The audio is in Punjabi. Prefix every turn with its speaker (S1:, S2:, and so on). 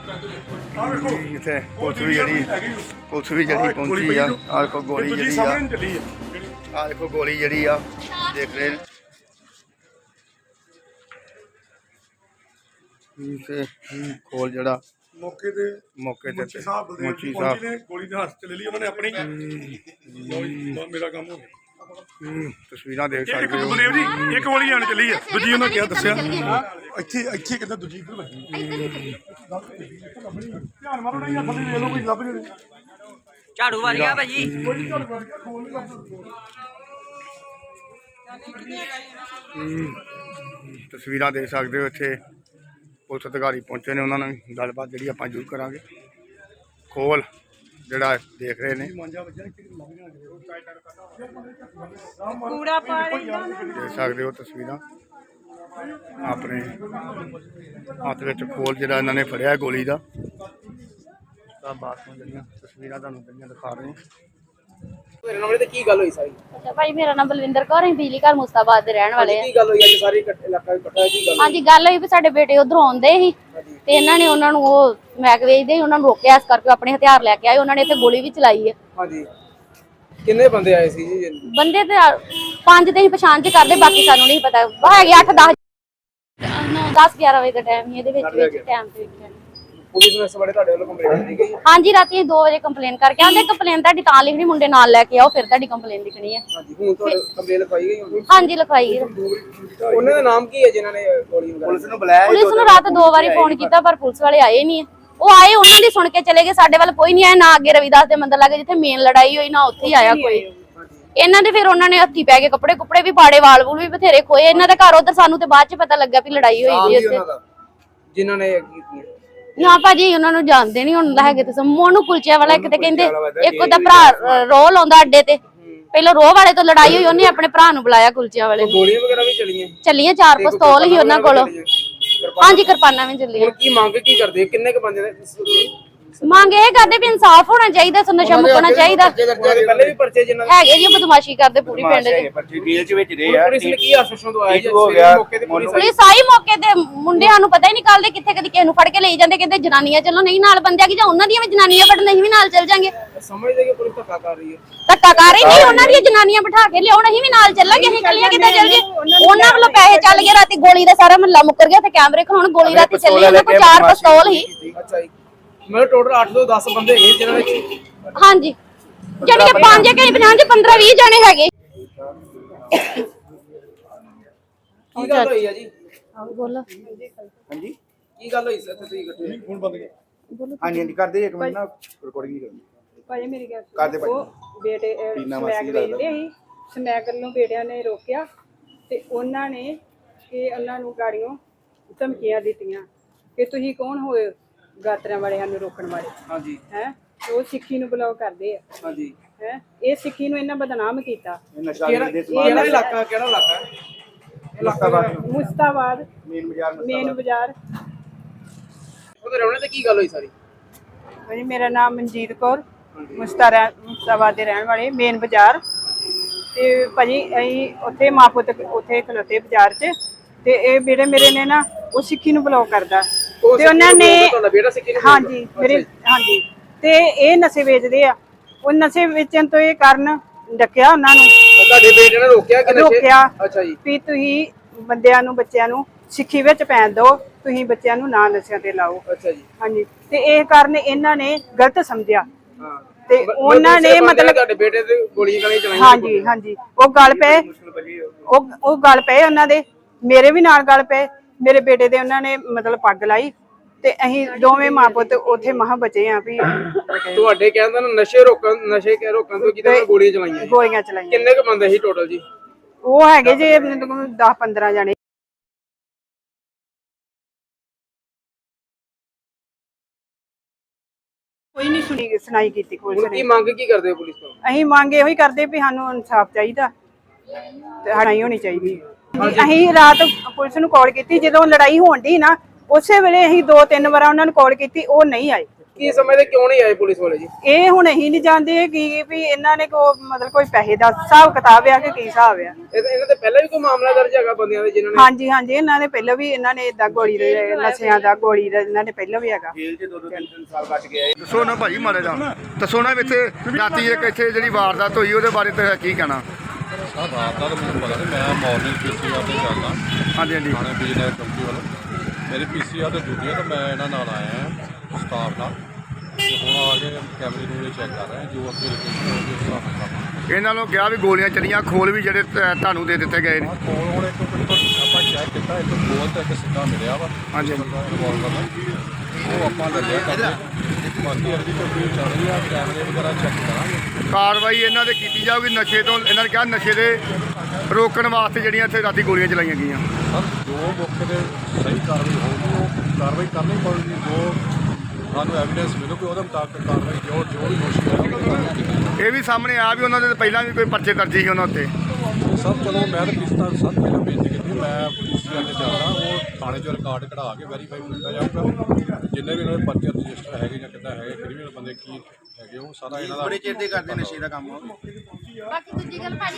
S1: इतने पुलिस भी जी पहुंची आ देखो गोली जी आ देखो गोली जी आ देख रहे खोल जड़ा
S2: मौके ते मुंशी साहब ने गोली ने हाथ च ले ली उन्होंने अपनी मेरा काम हो गया
S1: तस्वीर देख सकते हो
S2: बलदेव जी एक गोली आने चली है दूजी उन्हें क्या दसिया ਇੱਥੇ ਇੱਥੇ ਕਿੱਦਾਂ ਦੂਜੀ ਇੱਧਰ ਲੱਗੀ ਧਿਆਨ ਮਾਰੋ ਨਾ ਜਾਂ ਥੱਲੇ ਲੈ ਲਓ ਕੋਈ ਲੱਭ ਜੇ
S3: ਝਾੜੂ ਮਾਰ ਗਿਆ ਭਾਜੀ
S2: ਕੋਈ ਝਾੜੂ ਮਾਰ ਗਿਆ ਖੋਲ ਨਹੀਂ ਲੱਭਦਾ
S1: तस्वीर देख सकते हो इतने पुलिस अधिकारी पहुंचे ने उन्होंने गलबात जी आप जरूर करा खोल जरा देख रहे हैं देख सकते हो तस्वीर अपने हाथ में खोल जरा इन्होंने फड़िया गोली का बाद तस्वीर दिखा रहे हैं
S4: अच्छा भाई मेरा नाम बलविंदर कौर है बिजली घर मुस्ताबाद ਦੇ ਰਹਿਣ ਵਾਲੇ ਆ ਹਾਂਜੀ ਗੱਲ ਹੋਈ ਵੀ ਸਾਡੇ ਬੇਟੇ ਉਧਰੋਂ ਆਉਂਦੇ ਸੀ ਤੇ ਇਹਨਾਂ ਨੇ ਉਹਨਾਂ ਨੂੰ ਉਹ ਮੈਗ ਵੇਚਦੇ ਉਹਨਾਂ ਨੂੰ ਰੋਕਿਆ ਇਸ ਕਰਕੇ ਆਪਣੇ ਹਥਿਆਰ ਲੈ ਕੇ ਆਏ ਉਹਨਾਂ ਨੇ ਇੱਥੇ ਗੋਲੀ ਵੀ ਚਲਾਈ ਹੈ
S5: ਹਾਂਜੀ ਕਿੰਨੇ ਬੰਦੇ ਆਏ ਸੀ ਜੀ
S4: ਬੰਦੇ ਤੇ 5 ਤੇ ਹੀ ਪਛਾਣ ਚ ਕਰਦੇ ਬਾਕੀ ਸਾਨੂੰ ਨਹੀਂ ਪਤਾ ਹੈਗੇ 8 10 11 ਵਜੇ ਦਾ ਟਾਈਮ ਇਹਦੇ ਵਿੱਚ ਟਾਈਮ ਤੇ ਵੇਖਿਆ
S5: ਪੁਲਿਸ ਨੇ ਇਸ ਬਾਰੇ ਤੁਹਾਡੇ ਵੱਲੋਂ ਕੰਪਲੇਂਟ ਦਿੱਤੀ ਗਈ
S4: ਹਾਂਜੀ ਰਾਤੀ 2 ਵਜੇ ਕੰਪਲੇਨ ਕਰਕੇ ਆਂਦੇ ਕੰਪਲੇਨ ਤੁਹਾਡੀ ਤਾਂ ਲਿਖਣੀ ਮੁੰਡੇ ਨਾਲ ਲੈ ਕੇ ਆਓ ਫਿਰ ਤੁਹਾਡੀ ਕੰਪਲੇਨ ਲਿਖਣੀ ਹੈ
S5: ਹਾਂਜੀ ਹੁਣ ਤੁਹਾਡੇ ਕੰਪਲੇਂਟ ਲਿਖਾਈ ਗਈ ਹੁਣ
S4: ਹਾਂਜੀ ਲਿਖਵਾਈ ਹੈ
S5: ਉਹਨਾਂ ਦਾ ਨਾਮ ਕੀ ਹੈ ਜਿਨ੍ਹਾਂ ਨੇ ਗੋਲੀ ਮਾਰੀ ਪੁਲਿਸ ਨੂੰ ਬੁਲਾਇਆ
S4: ਪੁਲਿਸ ਨੂੰ ਰਾਤ 2 ਵਾਰੀ ਫੋਨ ਕੀਤਾ ਪਰ ਪੁਲਿਸ ਵਾਲੇ ਆਏ ਨਹੀਂ ਉਹ ਆਏ ਉਹਨਾਂ ਦੀ ਸੁਣ ਕੇ ਚਲੇ ਗਏ ਸਾਡੇ ਵੱਲ ਕੋਈ ਨਹੀਂ ਆਇਆ ਨਾ ਅੱਗੇ ਰਵਿਦਾਸ ਦੇ ਮੰਦਰ ਲੱਗੇ ਜਿੱਥੇ ਮੇਨ ਲੜਾਈ ਹੋਈ ਨਾ ਉੱਥੇ ਹੀ ਆਇਆ ਕੋਈ ਇਹਨਾਂ ਦੇ ਫਿਰ ਉਹਨਾਂ ਨੇ ਹੱਥੀ ਪੈ ਕੇ ਕੱਪੜੇ ਵੀ ਪਾੜੇ ਵਾਲ ਵੂਲ ਵੀ ਬਥੇਰੇ ਖੋਏ ਇਹਨਾਂ ਦਾ ਘਰ ਉਧਰ ਸਾਨੂੰ ਤੇ ਬਾਅਦ ਚ ਪਤਾ ਲੱਗਾ ਵੀ ਲੜਾਈ ਹੋਈ ਸੀ ਉੱਥੇ
S5: ਜਿਨ੍ਹਾਂ ਨੇ ਕੀਤੀ
S4: ਨਾ ਭਾਜੀ ਉਹਨਾਂ ਨੂੰ ਜਾਣਦੇ ਨਹੀਂ ਹੁਣ ਹੈਗੇ ਤੇ ਮੋਨੂ ਕੁਲਚੇ ਵਾਲਾ ਇੱਕ ਤੇ ਕਹਿੰਦੇ ਇੱਕ ਉਹਦਾ ਭਰਾ ਰੋਹ ਲਾਉਂਦਾ ਅੱਡੇ ਤੇ ਪਹਿਲਾਂ ਰੋਹ ਵਾਲੇ ਤੋਂ ਲੜਾਈ ਹੋਈ ਉਹਨੇ ਆਪਣੇ ਭਰਾ ਨੂੰ ਬੁਲਾਇਆ ਕੁਲਚਿਆਂ ਵਾਲੇ ਨੂੰ
S5: ਗੋਲੀਆਂ ਵਗੈਰਾ ਵੀ
S4: ਚੱਲੀਆਂ 4 ਪਿਸਤੌਲ ਹੀ ਉਹਨਾਂ ਕੋਲ ਹਾਂਜੀ ਕਿਰਪਾਨਾਂ ਵੀ ਚੱਲੀਆਂ
S5: ਕੀ ਮੰਗ ਕੀ ਕਰਦੇ ਕਿੰਨੇ ਕ ਬੰਦੇ ਨੇ
S4: ਮੰਗ ਇਹ ਕਰਦੇ ਵੀ ਇਨਸਾਫ ਹੋਣਾ ਚਾਹੀਦਾ ਨਸ਼ਾ ਮੁਕਣਾ ਚਾਹੀਦਾ
S5: ਪਹਿਲੇ ਵੀ ਪਰਚੇ ਜਿਨ੍ਹਾਂ
S4: ਹੈਗੇ ਜੀ ਬਦਮਾਸ਼ੀ ਕਰਦੇ ਪੂਰੀ ਪਿੰਡ ਦੇ
S5: ਪੁਲਿਸ ਨੇ ਕੀ ਆਸ਼ਵਾਸਨ ਦਵਾਇਆ ਜੀ ਮੌਕੇ ਤੇ
S4: ਪੁਲਿਸ ਆਈ ਮੌਕੇ ਤੇ ਮੁੰਡਿਆਂ ਨੂੰ ਪਤਾ ਹੀ ਨਹੀਂ ਕੱਲਦੇ ਕਿੱਥੇ ਕਦੀ ਕਿਸੇ ਨੂੰ ਫੜ ਕੇ ਲਈ ਜਾਂਦੇ ਕਹਿੰਦੇ ਜਨਾਨੀਆਂ ਚੱਲੋ ਨਹੀਂ ਨਾਲ ਬੰਦਿਆਂ ਕੀ ਜਾਂ ਉਹਨਾਂ ਦੀਆਂ ਵੀ ਜਨਾਨੀਆਂ ਫੜ ਨਹੀਂ ਵੀ ਨਾਲ ਚੱਲ ਜਾਾਂਗੇ
S5: ਸਮਝਦੇ ਕਿ ਪੁਲਿਸ ਧੱਕਾ ਕਰ ਰਹੀ ਹੈ
S4: ਧੱਕਾ ਕਰ ਰਹੀ ਨਹੀਂ ਉਹਨਾਂ ਦੀਆਂ ਜਨਾਨੀਆਂ ਬਿਠਾ ਕੇ ਲਿਆਉਣ ਅਸੀਂ ਵੀ ਨਾਲ ਚੱਲਾਂਗੇ ਅਸੀਂ ਕੱਲੀਆਂ ਕਿੱਦਾਂ ਚੱਲ ਗਏ ਉਹਨਾਂ ਵੱਲੋਂ ਪੈਸੇ ਚੱਲ ਗਏ ਰਾਤੀ ਗੋਲੀ ਦਾ ਸਾਰਾ ਮਹੱਲਾ ਮੁੱਕਰ ਗਿਆ ਤੇ ਕੈਮਰੇ ਖਲਾਉਣ ਗੋਲੀ ਰਾਤੀ ਚੱਲੀ ਉਹਨਾਂ ਕੋਲ 4 ਪਿਸਤੌਲ ਹੀ
S5: ਅੱਛਾ ਜੀ ਮੇਰੇ ਟੋਟਲ 8 ਤੋਂ 10 ਬੰਦੇ ਹੈਗੇ ਜਿਹਨਾਂ ਨੇ
S4: ਹਾਂਜੀ ਜਾਨੀ ਕਿ 5 ਕਿ 50 15 20 ਜਣੇ ਹੈਗੇ
S5: ਕੀ ਗੱਲ ਹੋਈ ਆ ਜੀ
S4: ਬੋਲੋ
S5: ਹਾਂਜੀ ਕੀ ਗੱਲ ਹੋਈ ਸਰ ਤੁਸੀਂ ਇਕੱਠੇ
S2: ਫੋਨ ਬੰਦ ਗਿਆ
S1: हाँ जी करते एक मिनट ना रिकॉर्डिंग नहीं करनी
S6: ਭਾਈ ਮੇਰੀ ਗੱਲ
S1: ਕਰਦੇ ਭਾਈ
S6: ਉਹ ਬੇਟੇ ਸਮੈਕ ਵੇਚਦੇ ਸੀ ਸਮੈਕ ਨੂੰ ਬੇਟਿਆਂ ਨੇ ਰੋਕਿਆ ਤੇ ਉਹਨਾਂ ਨੇ ਉਹਨਾਂ ਨੂੰ ਗਾੜੀਆਂ ਧਮਕੀਆਂ ਦਿੱਤੀਆਂ ਕਿ ਤੁਸੀਂ ਕੌਣ ਹੋਏ ਗਾਤਰਿਆਂ ਵਾਲਿਆਂ ਨੂੰ ਰੋਕਣ ਵਾਲੇ
S5: ਹਾਂਜੀ
S6: ਹੈ ਉਹ ਸਿੱਖੀ ਨੂੰ ਬਲੌਕ ਕਰਦੇ ਆ
S5: ਹਾਂਜੀ
S6: ਹੈ ਇਹ ਸਿੱਖੀ ਨੂੰ ਇਹਨਾਂ ਬਦਨਾਮ ਕੀਤਾ
S5: ਕਿਹੜਾ ਇਲਾਕਾ
S6: ਮੁਸਤਾਬਾਦ ਮੇਨ ਬਾਜ਼ਾਰ
S5: ਉਹਦੇ ਰਹਿਣੇ ਤੇ ਕੀ ਗੱਲ ਹੋਈ ਸਾਰੀ
S6: ਭਾਜੀ ਮੇਰਾ ਨਾਮ ਮਨਜੀਤ ਕੌਰ ਮੁਸਤਾਬਾਦ ਦੇ ਰਹਿਣ ਵਾਲੇ ਮੇਨ ਬਾਜ਼ਾਰ ਤੇ ਭਾਜੀ ਅਸੀਂ ਉੱਥੇ ਮਾਂ ਪੁੱਤ ਉੱਥੇ ਖਲੋਤੇ ਬਾਜ਼ਾਰ 'ਚ ਤੇ ਇਹ ਬੇਟੇ ਮੇਰੇ ਨੇ ਨਾ ਉਹ ਸਿੱਖੀ ਨੂੰ ਬਲੌਕ ਕਰਦਾ ਤੇ ਉਹਨਾਂ ਨੇ ਹਾਂਜੀ ਮੇਰੇ ਹਾਂਜੀ ਤੇ ਇਹ ਨਸ਼ੇ ਵੇਚਦੇ ਆ ਉਹ ਨਸ਼ੇ ਵੇਚਣ ਤੋਂ ਇਹ ਕਾਰਨ ਡੱਕਿਆ ਉਹਨਾਂ ਨੂੰ
S5: ਤੁਹਾਡੇ ਬੇਟੇ ਨੇ ਰੋਕਿਆ ਕਿ
S6: ਰੋਕਿਆ
S5: ਅੱਛਾ ਜੀ
S6: ਵੀ ਤੁਸੀਂ ਬੰਦਿਆਂ ਨੂੰ ਬੱਚਿਆਂ ਨੂੰ ਸਿੱਖੀ ਵਿੱਚ ਪੈਣ ਦਿਓ ਤੁਸੀਂ ਬੱਚਿਆਂ ਨੂੰ ਨਾ ਨਸ਼ਿਆਂ ਤੇ ਲਾਓ
S5: ਅੱਛਾ ਜੀ
S6: ਹਾਂਜੀ ਤੇ ਇਹ ਕਾਰਨ ਇਹਨਾਂ ਨੇ ਗਲਤ ਸਮਝਿਆ
S5: ਹਾਂ
S6: ਤੇ ਉਹਨਾਂ ਨੇ ਮਤਲਬ
S5: ਤੁਹਾਡੇ ਬੇਟੇ ਤੇ ਗੋਲੀਆਂ ਗਾਲੀਆਂ ਚਲਾਈਆਂ
S6: ਹਾਂਜੀ ਹਾਂਜੀ ਉਹ ਗੱਲ ਪਏ ਉਹ ਗੱਲ ਪਏ ਉਹਨਾਂ ਦੇ ਮੇਰੇ ਵੀ ਨਾਲ ਗੱਲ ਪਏ ਮੇਰੇ ਬੇਟੇ ਦੇ ਉਹਨਾਂ ਨੇ ਮਤਲਬ ਪੱਗ ਲਾਈ ਤੇ ਅਸੀਂ ਦੋਵੇਂ ਮਾਂ ਪੁੱਤ ਉੱਥੇ ਮਹਾ ਬਚੇ ਆ ਵੀ
S5: ਤੁਹਾਡੇ ਕਹਿੰਦਾ ਨਸ਼ੇ ਰੋਕਣ ਤੋਂ ਕਿਤੇ ਗੋਲੀਆਂ ਚਲਾਈਆਂ ਕਿੰਨੇ ਕ ਬੰਦੇ ਸੀ ਟੋਟਲ ਜੀ
S6: ਉਹ ਹੈਗੇ ਜੇ 10-15 ਜਣੇ ਕੋਈ ਨਹੀਂ ਸੁਣਾਈ ਕੀਤੀ ਪੁਲਿਸ ਨੇ
S5: ਕੀ ਮੰਗ ਕੀ ਕਰਦੇ ਹੋ ਪੁਲਿਸ ਤੋਂ
S6: ਅਸੀਂ ਮੰਗ ਇਹੋ ਹੀ ਕਰਦੇ ਵੀ ਸਾਨੂੰ ਇਨਸਾਫ ਚਾਹੀਦਾ ਤੇ ਲੜਾਈ ਹੋਣੀ ਚਾਹੀਦੀ ਅਸੀਂ ਰਾਤ ਪੁਲਿਸ ਨੂੰ ਕਾਲ ਕੀਤੀ ਜਦੋਂ ਲੜਾਈ ਹੋਣ ਦੀ ਨਾ ਉਸੇ ਵੇਲੇ ਅਸੀਂ 2-3 ਵਾਰ ਉਹਨਾਂ ਨੂੰ ਕਾਲ ਕੀਤੀ ਉਹ ਨਹੀਂ ਆਏ
S5: ਕੀ ਸਮਝਦੇ ਕਿਉਂ ਨਹੀਂ ਆਏ ਪੁਲਿਸ ਵਾਲੇ ਜੀ?
S6: ਇਹ ਹੁਣ ਅਸੀਂ ਨਹੀਂ ਜਾਣਦੇ ਕਿ ਵੀ ਇਹਨਾਂ ਨੇ ਮਤਲਬ ਕੋਈ ਪੈਸੇ ਦਾ ਹਿਸਾਬ ਕਿਤਾਬ ਆ ਕਿ ਕੀ ਹਿਸਾਬ ਆ।
S5: ਇਹਨਾਂ ਤੇ ਪਹਿਲਾਂ ਵੀ ਕੋਈ ਮਾਮਲਾ ਦਰਜ ਹੈਗਾ ਬੰਦਿਆਂ ਦੇ ਜਿਨ੍ਹਾਂ ਨੇ?
S6: ਹਾਂਜੀ ਹਾਂਜੀ, ਇਹਨਾਂ ਨੇ ਪਹਿਲਾਂ ਵੀ ਇਹਨਾਂ ਨੇ ਇਦਾਂ ਗੋਲੀ ਦੇ ਨਸ਼ਿਆਂ ਦਾ ਗੋਲੀ ਦਾ ਇਹਨਾਂ ਨੇ ਪਹਿਲਾਂ ਵੀ ਹੈਗਾ।
S5: ਜੇਲ੍ਹ 'ਚ 2-3 ਸਾਲ ਕੱਟ ਕੇ ਆਏ।
S1: ਦੱਸੋ ਨਾ ਭਾਜੀ ਮਾਰੇ ਦਾ ਦੱਸੋ ਨਾ ਵੀ ਇੱਥੇ ਰਾਤੀ ਇੱਕ ਇੱਥੇ ਜਿਹੜੀ ਵਾਰਦਾਤ ਹੋਈ ਉਹਦੇ ਬਾਰੇ ਤੇ ਕੀ ਕਹਿਣਾ?
S7: ਸਰ ਰਾਤ ਦਾ ਤਾਂ ਮੈਨੂੰ ਪਤਾ ਨਹੀਂ, ਮੈਂ ਮਾਰਨਿੰਗ ਪੀਸੀਆਰ ਤੇ ਚੱਲਦਾ
S1: ਹਾਂਜੀ ਹਾਂਜੀ
S7: ਥਾਣੇ ਬਿਜਨਸ ਕੰਪਨੀ ਵੱਲੋਂ। ਮੇਰੀ ਪੀਸੀਆਰ ਤੇ ਡਿਊਟੀ ਹੈ ਤਾਂ ਮੈਂ ਇਹਨਾਂ ਨਾਲ ਆਇਆ ਹਾਂ ਸਟਾਫ ਨਾਲ, ਤੇ ਹੁਣ ਆ ਕੇ ਕੈਮਰੇ ਨੂੰ ਚੈੱਕ ਕਰ ਰਹੇ ਹਾਂ ਜੋ ਅੱਗੇ ਲੋਕੇਸ਼ਨ ਹੋਊਗੀ ਉਸ ਹਿਸਾਬ ਨਾਲ।
S1: ਇਹਨਾਂ ਨੂੰ ਕਿਹਾ ਵੀ ਗੋਲੀਆਂ ਚੱਲੀਆਂ, ਖੋਲ ਵੀ ਜਿਹੜੇ ਤੁਹਾਨੂੰ ਦੇ ਦਿੱਤੇ ਗਏ ਨੇ।
S7: ਕੋਲ ਹੁਣ ਇੱਕ ਆਪਾਂ ਚੈੱਕ ਕੀਤਾ, ਇੱਕ ਗੋਲ ਤੇ ਇੱਕ ਸਿੱਧਾ ਮਿਲਿਆ ਵਾ
S1: ਹਾਂਜੀ
S7: ਰਿਵਾਲਵਰ ਦਾ, ਉਹ ਆਪਾਂ ਲੱਲਿਆ ਕਰਦੇ। ਬਾਕੀ ਅਰਜੀ ਕੋਈ ਚੱਲ ਰਹੀ ਆ, ਕੈਮਰੇ ਵਗੈਰਾ ਚੈੱਕ ਕਰਾਂਗੇ।
S1: ਕਾਰਵਾਈ ਇਹਨਾਂ ਦੇ ਕੀਤੀ ਜਾਊਗੀ ਨਸ਼ੇ ਤੋਂ। ਇਹਨਾਂ ਨੇ ਕਿਹਾ ਨਸ਼ੇ ਦੇ ਰੋਕਣ ਵਾਸਤੇ ਜਿਹੜੀਆਂ ਇੱਥੇ ਰਾਤੀ ਗੋਲੀਆਂ ਚਲਾਈਆਂ ਗਈਆਂ।
S7: ਸਰ ਜੋ ਮੌਕੇ ਤੇ ਸਹੀ ਕਾਰਵਾਈ ਹੋਊਗੀ ਉਹ ਕਾਰਵਾਈ ਕਰਨੀ ਪਊਗੀ। ਜੋ ਸਾਨੂੰ ਐਵੀਡੈਂਸ ਮਿਲੂਗੀ ਉਹਦੇ ਮੁਤਾਬਕ ਕਾਰਵਾਈ ਜੋ ਵੀ ਦੋਸ਼ੀ ਹੈ ਉਹਦੀ ਕਾਰਵਾਈ ਕੀਤੀ ਜਾਊਗੀ।
S1: ਇਹ ਵੀ ਸਾਹਮਣੇ ਆ ਵੀ ਉਹਨਾਂ ਦੇ ਪਹਿਲਾਂ ਵੀ ਕੋਈ ਪਰਚੇ ਦਰਜ ਸੀ ਉਹਨਾਂ ਉੱਤੇ।
S7: ਸਭ ਚਲੋ ਮੈਂ ਤਾਂ ਕਿਸ਼ਤਾਂ ਸਭ ਪਹਿਲਾਂ ਬੇਨਤੀ ਕੀਤੀ, ਮੈਂ ਪੀਸੀਆਰ ਤੇ ਚੱਲਦਾ, ਉਹ ਥਾਣੇ 'ਚੋਂ ਰਿਕਾਰਡ ਕਢਾ ਕੇ ਵੈਰੀਫਾਈ ਕੀਤਾ ਜਾਊਗਾ। ਜਿੰਨੇ ਵੀ ਉਹਨਾਂ ਦੇ ਪਰਚੇ ਰਜਿਸਟਰ ਹੈਗੇ ਜਾਂ ਕਿੱਦਾਂ ਹੈਗੇ, ਕ੍ਰਿਮੀਨਲ ਬੰਦੇ ਕੀ ਹੈਗੇ, ਉਹ ਸਾਰਾ ਇਹਨਾਂ ਦਾ
S5: ਬੜੇ ਚਿਰ ਦੇ ਕਰਦੇ ਨਸ਼ੇ ਦਾ ਕੰਮ।
S4: ਬਾਕੀ ਦੂਜੀ ਗੱਲ ਭਾਜੀ